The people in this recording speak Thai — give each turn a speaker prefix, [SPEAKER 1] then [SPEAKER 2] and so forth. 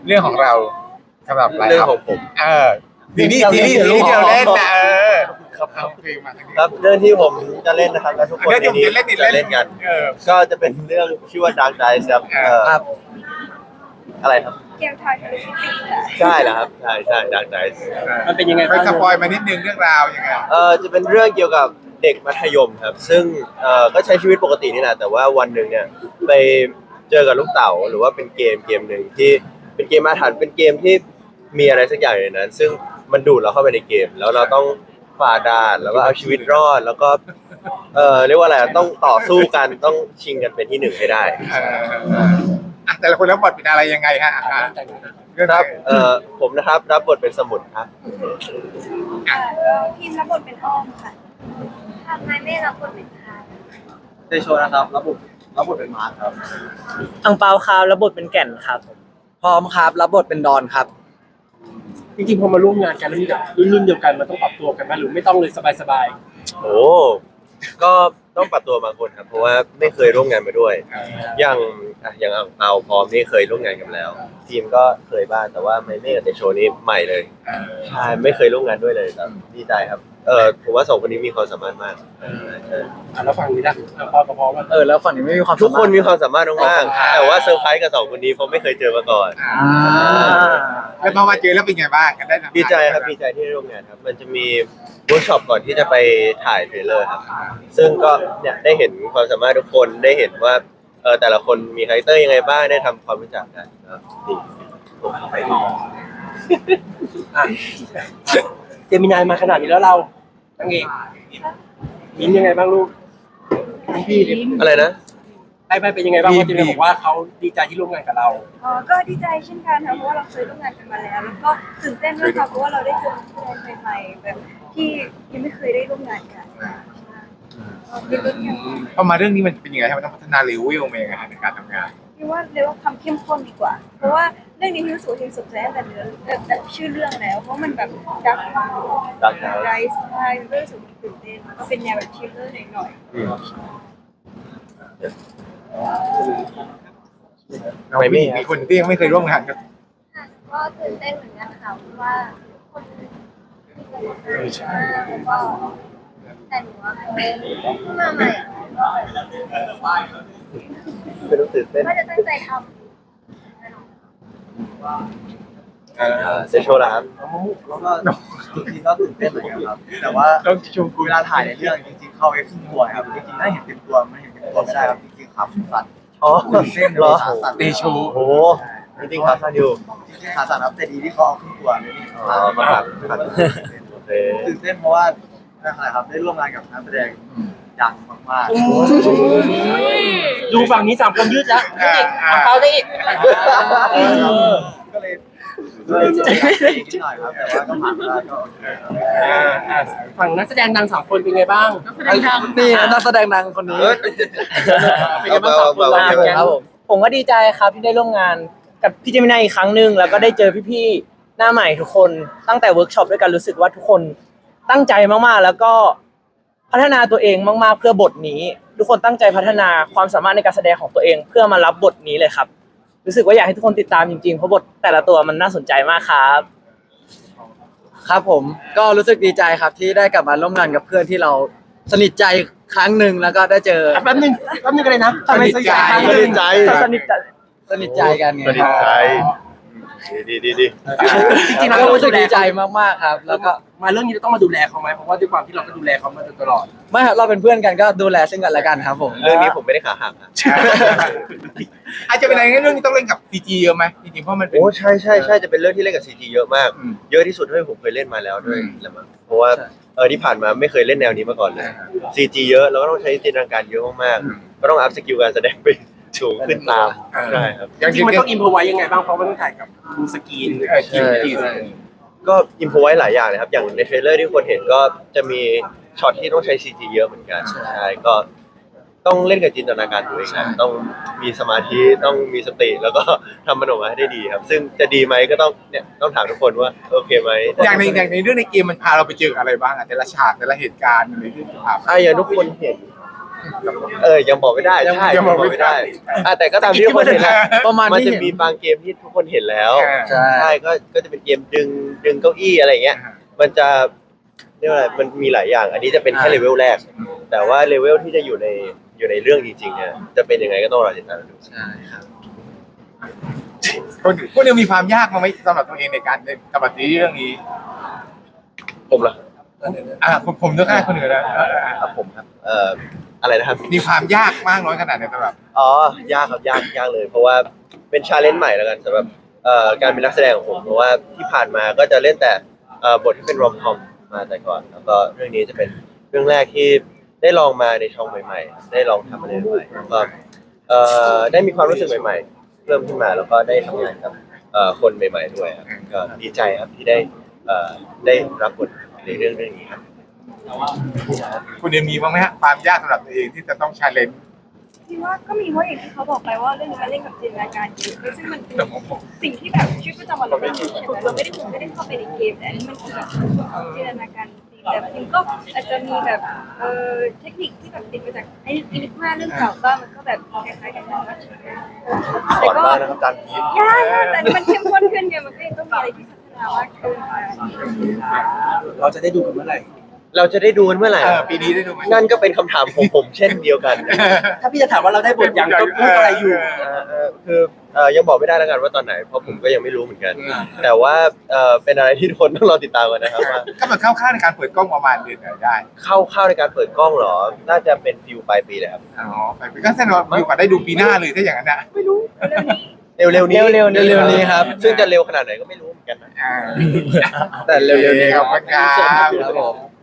[SPEAKER 1] เรื่องของเราสำหรับอะไร
[SPEAKER 2] เรื่อง
[SPEAKER 1] ครับ
[SPEAKER 2] ของผม
[SPEAKER 1] ซีรีส์ที่เราเล่นนะครับเอาเพลงมาทางนี้
[SPEAKER 2] ครับเรื่องที่ผมจะเล่นนะครับและทุกคน
[SPEAKER 1] เรื่อง
[SPEAKER 2] ใน
[SPEAKER 1] ที่ผม
[SPEAKER 2] นี้
[SPEAKER 1] จะเล่น
[SPEAKER 2] จะเล่นกัน ก็จะเป็นเรื่องชื่อว่า Dark Dice ครับ
[SPEAKER 3] ครับ
[SPEAKER 2] อะไรครับ
[SPEAKER 4] เกมทอยทะลุมิติค่ะ
[SPEAKER 2] ใช่แล้วครับใช่ใช่ Dark Dice
[SPEAKER 5] มันเป็นยังไง
[SPEAKER 1] ไป
[SPEAKER 5] บ้าง
[SPEAKER 1] สปอยมานิดนึงเรื่องราวยังไง
[SPEAKER 2] จะเป็นเรื่องเกี่ยวกับเด็กมัธยมครับ ซึ่งก็ใช้ชีวิตปกตินี่แหละแต่ว่าวันหนึ่งเนี่ยไปเจอกับลูกเต๋าหรือว่าเป็นเกมหนึ่งที่เป็นเกมอาถรรพ์เป็นเกมที่มีอะไรสักอย่างในนั้น ซึ่งมันดูดเราเข้าไปในเกม แล้วเราต้องฝ่าด่านแล้วก็เอาชีวิตรอดแล้วก็เรียกว่าอะไรต้องต่อสู้กันต้องชิงกันเป็นที่หนึ่งให้ได้
[SPEAKER 1] แต่ละคนแล้วบทเป็นอะไรยังไงฮะเรื่อง
[SPEAKER 2] ครับผมนะครับรับบทเป็นสมุนครับ
[SPEAKER 4] ทีมรับบทเป็นอ้อมค่ะทำนายเมฆรับบทเป็นคา
[SPEAKER 3] เตโชนะครับรับบทเป็นมาร์คครับ
[SPEAKER 6] อังเปาครับรับบทเป็นแก่นครับ
[SPEAKER 3] พร้อมครับรับบทเป็นดอนครับ
[SPEAKER 5] จริงๆพอมาร่วมงานกันแล้วนี่แบบรุ่นเดียวกันมันต้องปรับตัวกันไหมหรือไม่ต้องเลยสบาย
[SPEAKER 2] โอ้ก็ต้องปรับตัวบางคนครับเพราะว่าไม่เคยร่วมงานมาด้วย อย่างเอาพร้อมนี่เคยร่วมงานกันแล้ว ทีมก็เคยบ้างแต่ว่าไม่กับเตโชนี่ใหม่เลยใช่ไม่เคยร่วมงานด้วยเลยครับดีใจครับผมว่าสองคนนี้มีความสามารถมากใช่
[SPEAKER 5] แล้วฝั่งนี้นะพอกับพอว่า
[SPEAKER 3] แล้วฝั่งนี้ไม่มีความ
[SPEAKER 2] ทุกคนมีความสามารถมากๆแต่ว่าเซอร์ไพรส์กับสองคนนี้เพราะไม่เคยเจอมาก่อน
[SPEAKER 1] แล้วพอมาเจอแล้วเป็นไงบ้างกันได้ทำงาน
[SPEAKER 2] ดีใจครับดีใจที่ได้ร่วมงานครับ มันจะมีเวิร์กช็อปก่อนที่จะไปถ่ายเทรลเลอร์ครับ ซึ่งก็เนี่ยได้เห็นความสามารถทุกคนได้เห็นว่าแต่ละคนมีคาแรคเตอร์ยังไงบ้างได้ทำความรู้จักกันครับดี
[SPEAKER 5] เจมินายมาขนาดนี้แล้วเราตั้งเองยิ้มยังไงบ้างลูกพี่
[SPEAKER 2] อะไรนะ
[SPEAKER 5] ไปเป็นยังไงบ้างว่าเจมินายบอกว่าเขาดีใจที่ร่วมงานกับเรา
[SPEAKER 4] ก็ดีใจเช่นกันค่ะเพราะว่าเราเคยร่วมงานกันมาแล้ว แล้วก็ตื่นเต้นด้วยค่ะเพราะว่าเราได้เจอนักแสดงใหม่ๆแบบที่ยังไม่เคยได้ร่วมงานกันดีใจกัน
[SPEAKER 1] พอมาเรื่องนี้มันเป็นยังไงครับมันต้องพัฒนาเลเวลมายังไงฮะในการทำงาน
[SPEAKER 4] พี่ว่าเรียกว่าความเข้มข้นดีกว่า เพราะว่าเรื่องนี้พี่รู้สึกว่าพี่สนใจตั้งแต่เนื้อแบบชื่อเรื่องแล้ว เพราะมันแบบดักมาก
[SPEAKER 2] Dark
[SPEAKER 4] ไรส์ใช่มันก็รู้สึกตื่นเต้นก็เป็นแนวแบบทริลเลอร์หน่อย
[SPEAKER 2] อืม
[SPEAKER 1] เรามีคนที่ยังไม่เคยร่วมงานกัน
[SPEAKER 4] ก็ตื่นเต้นเหมือนกันค่ะเพราะว่าคนมีประสบการณ์มากแล้วก็แต่หนูว่ามาใหม่
[SPEAKER 2] เป็นรู้สึกเต้น
[SPEAKER 4] ก็จะตั้งใจทำ
[SPEAKER 2] เซโชว์ละครับ
[SPEAKER 3] แล้วก็จริงๆก็ตื่นเต้นเหมือนกันครับ แต่ว่า
[SPEAKER 1] ต้องชมคุณ
[SPEAKER 3] เวลาถ่ายในเรื่องจริงๆเข้าไปครึ่งตัวครับจริงๆถ้าเห็นเต็มตัวมันเห็นเต็มตัวไม่ได้ครับจริงๆขาสั่น
[SPEAKER 2] อ๋อ
[SPEAKER 3] ตื่นเต้น
[SPEAKER 2] เหรอ
[SPEAKER 3] ขาสั่น
[SPEAKER 1] เตโช
[SPEAKER 2] โอ้โหจริงๆครับท่านอยู่
[SPEAKER 3] จริงๆขาสั่นครับแต่ดีที่เขาเอาครึ่งตัวเลยนี่
[SPEAKER 2] อ๋อมาครับโอเค
[SPEAKER 3] ตื่นเต้นเพราะว่าอะไรครับได้ร่วมงานกับนักแสดงดังมาก
[SPEAKER 5] ดูฝั่งนี้สามคนยืดแล้วอังเปาได้อีก
[SPEAKER 3] ๆก็เลยนิดหน่อยครับแต่ว่าก็ผ่านมาก็โอเคครับ
[SPEAKER 5] ฝั่งนักแสดงดังสามคนเป็นไงบ้าง
[SPEAKER 3] นี่นักแสดงดังคนนี้
[SPEAKER 5] เป็นไงบ้างสามคนเราเป็นไง
[SPEAKER 6] ครับผมก็ดีใจครับที่ได้ร่วมงานกับพี่เจมินายอีกครั้งหนึ่งแล้วก็ได้เจอพี่ๆหน้าใหม่ทุกคนตั้งแต่เวิร์กช็อปด้วยกันรู้สึกว่าทุกคนตั้งใจมากๆ แล้วก็พัฒนาตัวเองมากๆเพื่อบทนี้ ทุกคนตั้งใจพัฒนาความสามารถในการแสดงของตัวเองเพื่อมารับบทนี้เลยครับ รู้สึกว่าอยากให้ทุกคนติดตามจริงๆเพราะบทแต่ละตัวมันน่าสนใจมากครับ
[SPEAKER 3] ครับผมก็รู้สึกดีใจครับที่ได้กลับมาร่วมงานกับเพื่อนที่เราสนิทใจครั้งหนึ่งแล้วก็ได้เจอ
[SPEAKER 5] แป๊บนึงกันเลยนะ
[SPEAKER 2] สนิทใจ
[SPEAKER 6] สนิทใจ
[SPEAKER 3] สนิทใจกันไง
[SPEAKER 2] สนิทใจดี
[SPEAKER 5] จริงๆ
[SPEAKER 3] แล้
[SPEAKER 5] เรา
[SPEAKER 3] วก็
[SPEAKER 5] ก็
[SPEAKER 3] รู้สึกดีใจมากๆครับ แล้วก็
[SPEAKER 5] มาเรื่องนี้เราต้องมาดูแลเขาไหมเพราะว่าด้วยความที่เราก็ดูแลเขามาโดยตลอด
[SPEAKER 3] ไม่ครับเราเป็นเพื่อนกันก็ดูแลซึ่งกันและกันครับผม
[SPEAKER 2] เรื่องนี้ผมไม่ได้ขาหักครับ
[SPEAKER 1] อาจจะเป็นอะไรเรื่องนี้ต้องเล่นกับซีจีเยอะไหมจริงๆเพราะมันเป็น
[SPEAKER 2] โอ้ใช่จะเป็นเรื่องที่เล่นกับ CG เยอะมาก
[SPEAKER 1] อืม
[SPEAKER 2] เยอะที่สุดเท่าที่ผมเคยเล่นมาแล้วด้วยแหละมั้งเพราะว่าที่ผ่านมาไม่เคยเล่นแนวนี้มาก่อนเลย CG เยอะแล้วก็ต้องใช้จินตนาการเยอะมากๆก็ต้องอัพสกิลการแสดงไปสูงขึ้นตามใช่ครับ
[SPEAKER 1] อย่าง
[SPEAKER 5] จ
[SPEAKER 1] จ
[SPEAKER 5] ริ
[SPEAKER 1] ริ
[SPEAKER 5] ง
[SPEAKER 1] ง
[SPEAKER 5] ๆ
[SPEAKER 1] มั
[SPEAKER 5] มัน น
[SPEAKER 1] ต้
[SPEAKER 5] ต้
[SPEAKER 1] อ
[SPEAKER 5] อง งอินพอไว้ยังไงบ้างเพราะมันต้องถ่ายกับดูสกรีน
[SPEAKER 1] ทีม
[SPEAKER 2] ก็อิมพอไว้หลายอย่างเลยครับอย่างในเทรลเลอร์ที่คนเห็นก็จะมีช็อตที่ต้องใช้ CG เยอะเหมือนกันใช่ก็ต้องเล่นกับจินตนาการตัวเองนะต้องมีสมาธิต้องมีสติแล้วก็ทำมันออกมาให้ได้ดีครับ ซึ่งจะดีไหมก็ต้องถามทุกคนว่าโอเคไหม
[SPEAKER 1] อย่างในเรื่องในเกมมันพาเราไปเจออะไรบ้างอะแต่ละฉากแต่ละเหตุการณ์อะไรที่ผ่านมา
[SPEAKER 2] อย่างทุกคนเห็นยังบอกไม่ได้ใช่
[SPEAKER 1] ยังบอกไม่ได้
[SPEAKER 2] แต่ก็ตามที่ทุกคนเห็นแล้ว
[SPEAKER 3] ประมาณ
[SPEAKER 2] มัน
[SPEAKER 3] ที่
[SPEAKER 2] จะ
[SPEAKER 3] เห็น
[SPEAKER 2] มีบางเกมที่ทุกคนเห็นแล้ว
[SPEAKER 3] ใช่
[SPEAKER 2] ใช่ก็จะเป็นเกมดึงเก้าอี้อะไรเงี้ย มันจะเรียกว่าอะไรมันมีหลายอย่าง อันนี้จะเป็นแค่เลเวลแรก แต่ว่าเลเวลที่จะอยู่ในเรื่องจริงๆเนี่ยจะเป็นยังไงก็ต้องรอติดตามดู
[SPEAKER 3] ใช่ครับ
[SPEAKER 1] คนยังมีความยากมั้ยไหมสำหรับตัวเองในการกำกับซีรีส์เรื่องนี้
[SPEAKER 2] ผมเหรอ
[SPEAKER 1] ผมต้องให้คนอื่นแล้ว
[SPEAKER 2] ครับผมครับอะไรนะครับ
[SPEAKER 1] มีความยากมากน้อยขนาดไหนสำหรับ
[SPEAKER 2] ยากครับยากเลย เพราะว่าเป็นชาเลนจ์ใหม่แล้วกันสำหรับการเป็นนักแสดงของผมเพราะว่าที่ผ่านมาก็จะเล่นแต่บทที่เป็นรอมคอมมาแต่ก่อน แล้วก็เรื่องนี้จะเป็นเรื่องแรกที่ได้ลองมาในช่องใหม่ๆได้ลองทำอะไรใหม่ๆแล้วก็ได้มีความรู้สึกใหม่ๆเริ่มขึ้นมาแล้วก็ได้ทำงานกับคนใหม่ๆด้วยครับก็ดีใจครับที่ได้รับบทในเรื่องนี้ครับ
[SPEAKER 1] คุณยังมีบ้างไหมฮะความยากสำหรับตัวเองที่จะต้องชาเลนจ์
[SPEAKER 4] พี่ว่าก็มีเพราะอย่างที่เขาบอกไปว่าเรื่องนี้มันเล่นกับจินตนาการเยอะซึ่งมันเป็นสิ่งที่แบบชีวิตประจำวันเราไม่ได้เราไม่ได้เข้าไปในเกมแต่อันนี้มันคือแบบจินตนาการจริงแต่จริงก็อาจจะมีแบบเทคนิคที่แบบติดมาจากไอ้อินิกมาเรื่องเก่าบ้างมันก็แบบคล้ายๆกันนะ
[SPEAKER 2] สอนมากนะครับอาจารย์พีท
[SPEAKER 4] ยากแต่มันเข้มข้นขึ้นไงมันก็ยังต้องมีอะไรที่พัฒนามากขึ้น
[SPEAKER 5] เราจะได้ดูกันเมื่อไหร่
[SPEAKER 2] เราจะได้ดูกันเมื่อไหร่
[SPEAKER 1] ปีนี้ได้ดูไหม
[SPEAKER 2] นั่นก็เป็นคำถามของผมเช่นเดียวกัน
[SPEAKER 5] ถ้าพี่จะถามว่าเราได้บทยังก็พูดอะไรอยู่
[SPEAKER 2] คือยังบอกไม่ได้แล้วกันว่าตอนไหนเพราะผมก็ยังไม่รู้เหมือนกัน แต่ว่าเป็นอะไรที่ทุกคนต้องรอติดตามกันนะครับว่า
[SPEAKER 1] ก็มันเข้าข้างในการเปิดกล้องประมาณเดือนไหนได้
[SPEAKER 2] เข้าในการเปิดกล้องเหรอ น่าจะเป็นฟิวปลายปีเลยครับ
[SPEAKER 1] อ๋อไปก็แสดงว่ามีโอกาสได้ดูปีหน้าเลยถ้าอย่างนั้นนะ
[SPEAKER 4] เร็วนี้
[SPEAKER 2] เร็วๆนี้
[SPEAKER 3] เร็วๆนี้ครับ
[SPEAKER 2] ซึ่งจะเร็วขนาดไหนก็ไม่รู้เหมือนกันนะ
[SPEAKER 1] อ่า
[SPEAKER 3] แต่เร็วๆนี้
[SPEAKER 1] ขอบคุณครับ
[SPEAKER 3] ครับผม